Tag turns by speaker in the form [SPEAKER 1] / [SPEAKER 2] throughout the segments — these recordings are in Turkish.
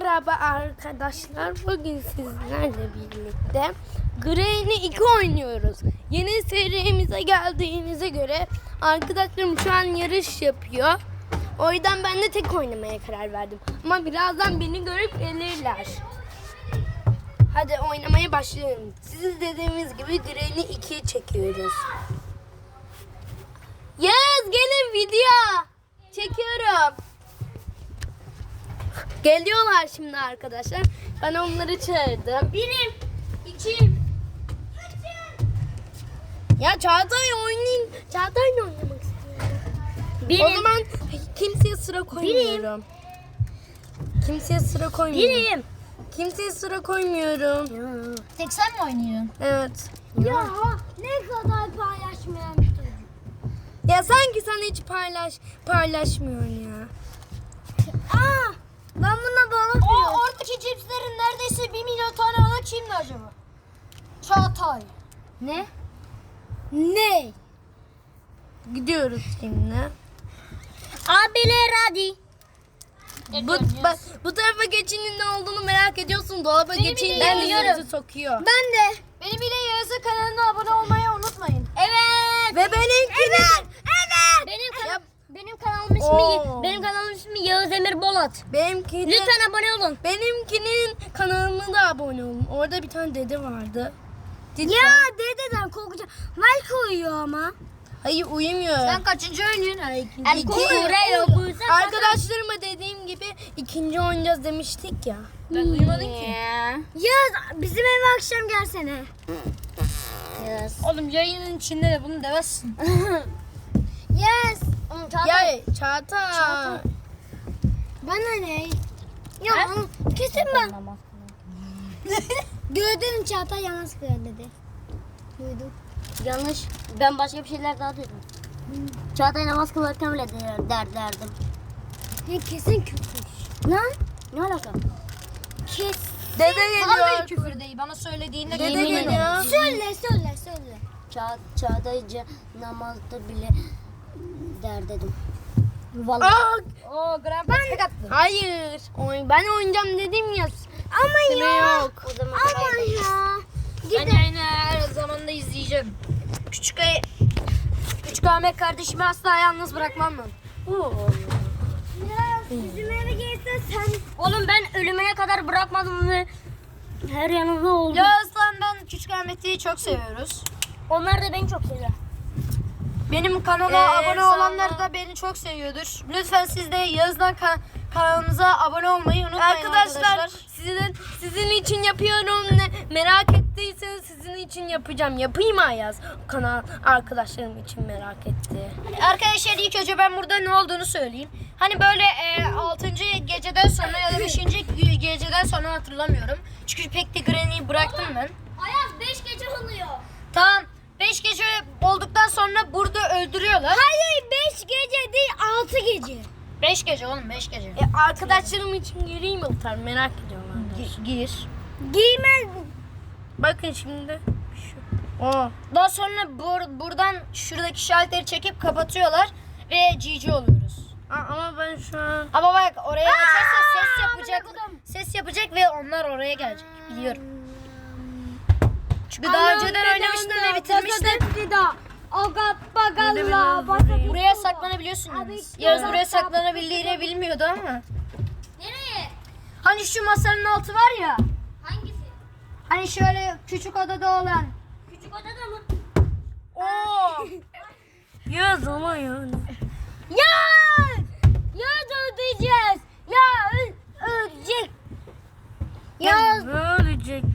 [SPEAKER 1] Merhaba arkadaşlar. Bugün sizlerle birlikte Granny 2 oynuyoruz. Yeni serimize geldiğinize göre arkadaşlarım şu an yarış yapıyor. O yüzden ben de tek oynamaya karar verdim. Ama birazdan beni görüp gelirler. Hadi oynamaya başlayalım. Siz dediğimiz gibi Granny 2'yi çekiyoruz. Yes, gelin video. Çekiyorum. Geliyorlar şimdi arkadaşlar. Ben onları çağırdım. Birim, ikim. Ya Çağatay oynayın. Çağatay'la oynamak istiyorum. O zaman kimseye sıra koymuyorum. Kimseye sıra koymuyorum.
[SPEAKER 2] Birim.
[SPEAKER 1] Kimseye sıra koymuyorum.
[SPEAKER 2] Tek sen mi oynuyorsun?
[SPEAKER 1] Evet.
[SPEAKER 2] Ya ne kadar paylaşmayan bir çocuk.
[SPEAKER 1] Ya sanki sen hiç paylaşmıyorsun ya.
[SPEAKER 2] Aa, ben buna balık oradaki cipslerin neredeyse 1 milyon tane alan kimdi acaba? Çağatay. Ne? Ne?
[SPEAKER 1] Gidiyoruz şimdi.
[SPEAKER 2] Abiler hadi.
[SPEAKER 1] Bu tarafa geçinin ne olduğunu merak ediyorsun. Dolaba geçin
[SPEAKER 2] ben biliyorum.
[SPEAKER 1] yüzünüzü sokuyor.
[SPEAKER 2] Ben de. Benim ile Yağız'ın kanalına abone olmayı unutmayın. Evet.
[SPEAKER 1] Ve benimkinin.
[SPEAKER 2] Evet. Benim kanalımın ismi Yağız Emir Bolat.
[SPEAKER 1] Benimkinin.
[SPEAKER 2] Lütfen abone olun.
[SPEAKER 1] Benimkinin kanalına da abone olun. Orada bir tane dede vardı.
[SPEAKER 2] Ya dededen korkacağım. Malko uyuyor ama.
[SPEAKER 1] Hayır uyumuyor.
[SPEAKER 2] Sen kaçıncı oynuyorsun?
[SPEAKER 1] Arkadaşlarıma dediğim gibi ikinci oynayacağız demiştik ya.
[SPEAKER 2] Ben duymadım ki. Yağız bizim eve akşam gelsene. Yes. Oğlum yayının içinde de bunu demezsin. Yes.
[SPEAKER 1] Ya Çağatay.
[SPEAKER 2] Bana ne? Ya kesin ben. Gördün Çağatay yanlış dedi. Duydum. Yanlış. Ben başka bir şeyler daha duydum. Çağatay namaz kılarken bile derdim. Kesin küfür. Lan? Ne alaka? Kes.
[SPEAKER 1] Dede geliyor.
[SPEAKER 2] Küfür değil. Bana söylediğinde
[SPEAKER 1] Dede geliyor.
[SPEAKER 2] Söyle. Çağatay namazda bile dedim. Vallahi.
[SPEAKER 1] Aa,
[SPEAKER 2] Grandpa tek attı.
[SPEAKER 1] hayır. Ben oynayacağım dedim ya.
[SPEAKER 2] Ama
[SPEAKER 1] Süre
[SPEAKER 2] ya.
[SPEAKER 1] yok.
[SPEAKER 2] O zaman ama ya. Ben yayını her zaman da izleyeceğim. Küçük Ahmet kardeşimi asla yalnız bırakmam ben. Ya bizim eve gelsen sen. Oğlum ben ölümüne kadar bırakmadım ve her yanında oldum. Ya aslan ben Küçük Ahmet'i çok seviyoruz. Onlar da beni çok seviyor. Benim kanala abone olanlar da beni çok seviyordur. Lütfen siz de Yağız'dan kanalımıza abone olmayı unutmayın
[SPEAKER 1] Arkadaşlar sizin için yapıyorum. Merak ettiyseniz sizin için yapacağım. Yapayım Ayaz. Kanal arkadaşlarım için merak etti.
[SPEAKER 2] Arkadaşlar ilk önce ben burada ne olduğunu söyleyeyim. Hani böyle 6. geceden sonra ya da 5. geceden sonra hatırlamıyorum. Çünkü pek de Granny'yi bıraktım ben.
[SPEAKER 3] Ayaz 5 gece oluyor.
[SPEAKER 2] Tamam 5 gece olduktan sonra burada öldürüyorlar.
[SPEAKER 3] Hayır 5 gece değil 6 gece.
[SPEAKER 2] 5 gece oğlum 5 gece.
[SPEAKER 1] Arkadaşlarım için gireyim mi Utar? Merak ediyorlar.
[SPEAKER 2] Gir.
[SPEAKER 3] Giymez.
[SPEAKER 1] Bakın şimdi.
[SPEAKER 2] Daha sonra buradan şuradaki şalteri çekip kapatıyorlar ve GG oluyoruz.
[SPEAKER 1] Ama ben şu an...
[SPEAKER 2] Ama bak oraya açarsa ses yapacak ve onlar oraya gelecek biliyorum. Çünkü daha önceden oynamıştım ve bitirmiştim. Buraya saklanabiliyorsunuz. Yağız buraya saklanabildiğini bilmiyordu ama.
[SPEAKER 3] Nereye?
[SPEAKER 2] Hani şu masanın altı var ya.
[SPEAKER 3] Hangisi?
[SPEAKER 2] Hani şöyle küçük odada olan.
[SPEAKER 3] Küçük odada mı?
[SPEAKER 2] Oo.
[SPEAKER 1] Ya zaman yani.
[SPEAKER 2] Ya öldüreceğiz. Ya ölecek.
[SPEAKER 1] Ölecek.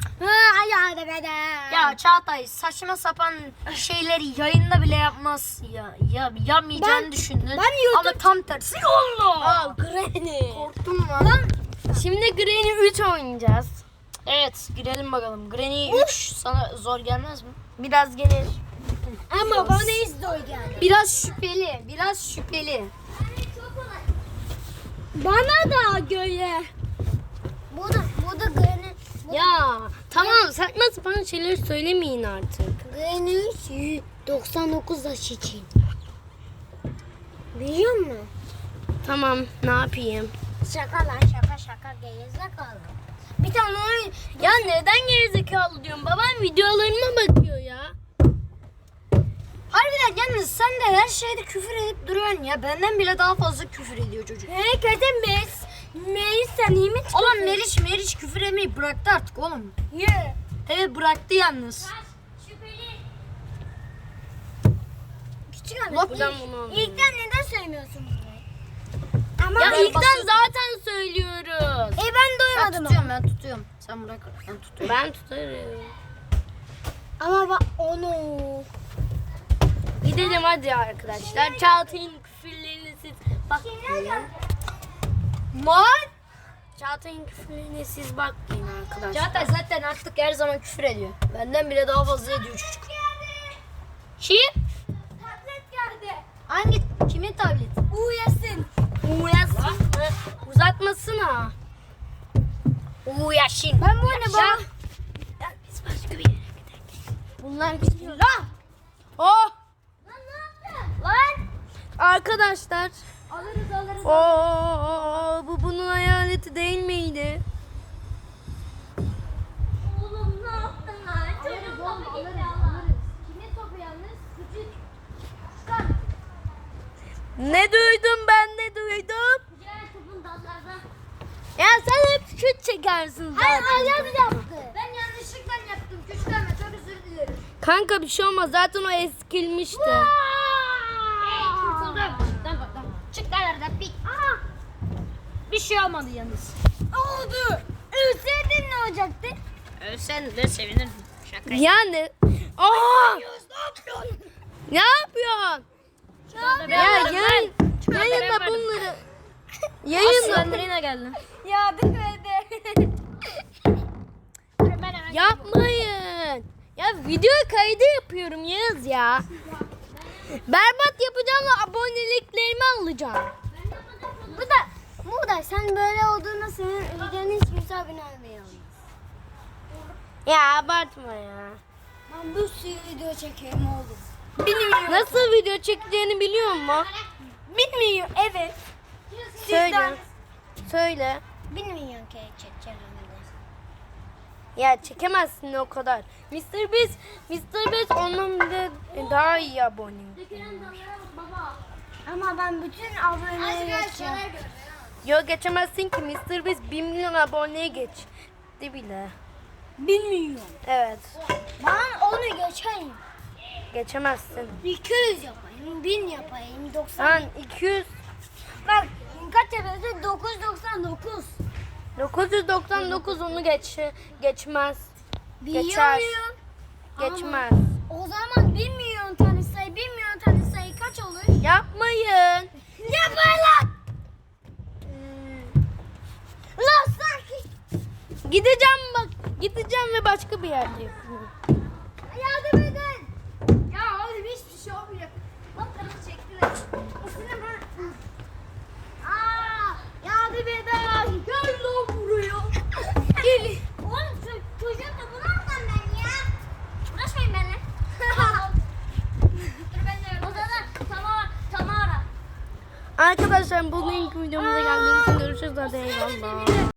[SPEAKER 2] Ya Çağatay saçma sapan şeyleri yayında bile yapmaz ya. Yapmayacağını düşündün. Ama tam tersi oldu.
[SPEAKER 1] Granny.
[SPEAKER 2] Korktum lan.
[SPEAKER 1] Şimdi Granny 3 oynayacağız.
[SPEAKER 2] Evet girelim bakalım. Granny 3 sana zor gelmez mi?
[SPEAKER 1] Biraz gelir.
[SPEAKER 3] Ama bana hiç zor geldi.
[SPEAKER 2] Biraz şüpheli.
[SPEAKER 3] Bana da göre. Bu da Granny.
[SPEAKER 1] Ya tamam saçma sapan şeyler söylemeyin artık.
[SPEAKER 3] Granny 99 yaş için. Biliyor musun?
[SPEAKER 1] Tamam ne yapayım?
[SPEAKER 3] Şaka lan şaka gerizekalı. Bir tane oyun.
[SPEAKER 1] Ya neden gerizekalı diyorum? Babam videolarıma bakıyor ya.
[SPEAKER 2] Harbiden yalnız sen de her şeyde küfür edip duruyorsun ya. Benden bile daha fazla küfür ediyor çocuk.
[SPEAKER 3] Kötü Meris sen iyi mi?
[SPEAKER 2] Oğlum Meriç küfür etmeyi bıraktı artık oğlum.
[SPEAKER 3] Ye.
[SPEAKER 2] Evet bıraktı yalnız.
[SPEAKER 3] Küçük Ahmet.
[SPEAKER 1] Buradan bunu alıyorum.
[SPEAKER 3] İlkten neden söylemiyorsun bunu? Ama
[SPEAKER 1] Ya
[SPEAKER 2] Ben
[SPEAKER 1] ilkten
[SPEAKER 2] basıyorum.
[SPEAKER 1] zaten söylüyoruz.
[SPEAKER 3] ben
[SPEAKER 2] Ben
[SPEAKER 3] doymadım ama.
[SPEAKER 2] ben tutuyorum. Sen bırak ben tutuyorum.
[SPEAKER 1] Ben tutarım.
[SPEAKER 3] Ama bak onu.
[SPEAKER 1] Gidelim hadi arkadaşlar. Çağatay'ın küfürlerini siz bakmayın. Çağatay'ın küfürlerine siz bakmayın arkadaşlar.
[SPEAKER 2] Çağatay zaten artık her zaman küfür ediyor. Benden bile daha fazla ediyor çocuk.
[SPEAKER 1] Kim?
[SPEAKER 3] Tablet geldi.
[SPEAKER 2] Hangi? Kimin tableti?
[SPEAKER 3] Uyasın.
[SPEAKER 1] Uyasın mı? Uzatmasına. Uyasın.
[SPEAKER 3] Ben bu oyunu baba.
[SPEAKER 1] Ya biz başka bir yere gidelim.
[SPEAKER 3] Bunlar gidiyor. Lan.
[SPEAKER 1] Oh!
[SPEAKER 3] Lan ne yaptın? Lan.
[SPEAKER 1] Arkadaşlar.
[SPEAKER 3] Alırız.
[SPEAKER 1] Bu bunun hayaleti değil miydi?
[SPEAKER 3] Oğlum ne yaptın lan? Alırız oğlum alırız. Kimin topu yalnız? Küçük. Çıkar.
[SPEAKER 1] Ne duydum ben ne duydum?
[SPEAKER 3] Diğer topun dallarda.
[SPEAKER 1] Ya sen hep şut çekersin zaten.
[SPEAKER 3] Hayır Alyaz yaptı. Ben yanlışlıkla yaptım. Küçük Ahmet çok özür dilerim.
[SPEAKER 1] Kanka bir şey olmaz zaten o eskilmişti.
[SPEAKER 3] Kurtuldum. Tamam. Çık kalarda pik. Aha.
[SPEAKER 2] Bir şey olmadı yalnız.
[SPEAKER 3] Oldu. Ölseydin ne olacaktı?
[SPEAKER 2] Sen de sevinirdim. Şaka.
[SPEAKER 1] Yani. Aa! Ne yapıyorsun? Ya yayın, yayında bunları. Yayında
[SPEAKER 2] Slenderina geldi.
[SPEAKER 3] Yardım edin.
[SPEAKER 1] yapmayın. Ya video kaydı yapıyorum Yağız ya. Berbat yapacağım ve aboneliklerimi alacağım.
[SPEAKER 3] Bu da sen böyle olduğunda senin videonu hiç kimse abone olmuyor.
[SPEAKER 1] Ya abartma ya.
[SPEAKER 3] Ben bir sürü video çekeyim oğlum.
[SPEAKER 1] Nasıl video çekeceğini biliyor musun?
[SPEAKER 3] Bilmiyorum evet.
[SPEAKER 1] Söyle. Söyle.
[SPEAKER 3] Bilmiyorum ki çekeceğim onu.
[SPEAKER 1] Ya çekemezsin o kadar. Mr. Beast ondan bile daha iyi abone.
[SPEAKER 3] Ama ben bütün aboneleri geçeceğim.
[SPEAKER 1] Yo geçemezsin ki Mr. Beast 1 milyon aboneye geçti bile.
[SPEAKER 3] Bilmiyorum.
[SPEAKER 1] Evet.
[SPEAKER 3] Ben onu geçeyim.
[SPEAKER 1] Geçemezsin.
[SPEAKER 3] 200 yapayım, 1000 yapayım, 90.
[SPEAKER 1] Sen 200
[SPEAKER 3] Bak kaç yapıyorsun? 999.
[SPEAKER 1] 999 onu geçmez. Geçer.
[SPEAKER 3] Biliyorum.
[SPEAKER 1] Geçmez.
[SPEAKER 3] O zaman 1 milyon tane sayı, 1 milyon tane sayı kaç olur?
[SPEAKER 1] Yapmayın.
[SPEAKER 3] Yapma lan! Lan sanki
[SPEAKER 1] Gideceğim bak. Gideceğim ve başka bir yerde yapıyorum.
[SPEAKER 3] yardım edin. Ya oğlum hiçbir şey olmuyor. Bak kırmızı çektiler. Üstüne ben... Yardım edin. Gel lan buraya. Gel. Oğlum çocuğum da bunu alsam ben ya. Uğraşmayın benimle. Dur ben de o zaman Tamara.
[SPEAKER 1] Arkadaşlar bugünkü videomuza geldiğiniz için görüşürüz. Hadi eyvallah.